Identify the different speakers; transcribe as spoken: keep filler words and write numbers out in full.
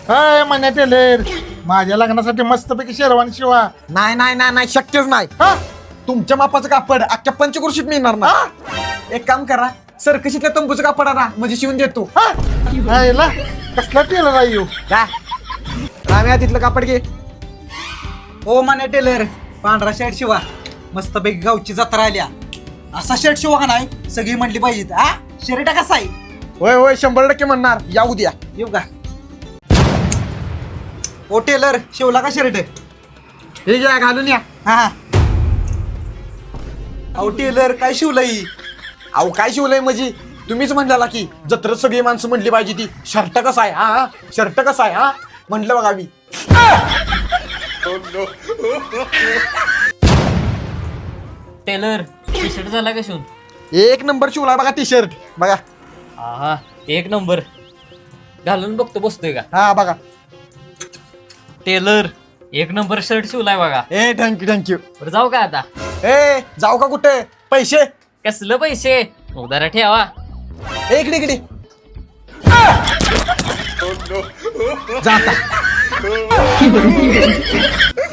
Speaker 1: हाय म्हणे टेलर, माझ्या लग्नासाठी मस्तपैकी शेरवानी शिवा.
Speaker 2: नाही नाही नाही नाही शक्यच नाही.
Speaker 1: हा?
Speaker 2: तुमच्या मापाचं कापड अख्ख्या पंचकृषीत मिळणार ना. एक काम करा, सरकशीतल्या तंबूचं कापड आणा म्हणजे शिवून देतो.
Speaker 1: हा? हायला, कसला टेलर आहे ह्यो?
Speaker 2: का राम्या तिथलं कापड घे.
Speaker 3: हो माने टेलर, पांढरा शर्ट शिवा. मस्तपैकी गावची जत्रा आल्या. असा शर्ट शिवा का नाही सगळी म्हणली पाहिजेत. हा शर्ट कसा आहे?
Speaker 2: होय होय शंभर टक्के म्हणणार. या उद्या.
Speaker 3: येऊ का? ओ टेलर, शिवला का शर्ट?
Speaker 2: हे घ्या घालून या.
Speaker 3: हा. अहो टेलर, काय शिवलंय?
Speaker 2: अहो काय शिवलंय म्हणजे तुम्हीच म्हणला की जत्रेत सगळी माणसं म्हणली पाहिजे ती शर्ट कसा आहे. हा शर्ट कसा आहे. हा म्हटलं बघा मी.
Speaker 4: टेलर टी शर्ट झाला का शिवून?
Speaker 2: एक नंबर शिवला बघा टी शर्ट बघा.
Speaker 4: हा एक नंबर. घालून बघतो बसतोय का?
Speaker 2: हा बघा.
Speaker 4: टेलर एक नंबर शर्ट शिवलाय बघा.
Speaker 2: ए थँक्यू थँक्यू.
Speaker 4: बरं जाऊ का आता?
Speaker 2: ए जाऊ का कुठे? पैसे
Speaker 4: कसलं पैसे? उधारा ठेवा.
Speaker 2: ए, इकडे इकडे जा आता.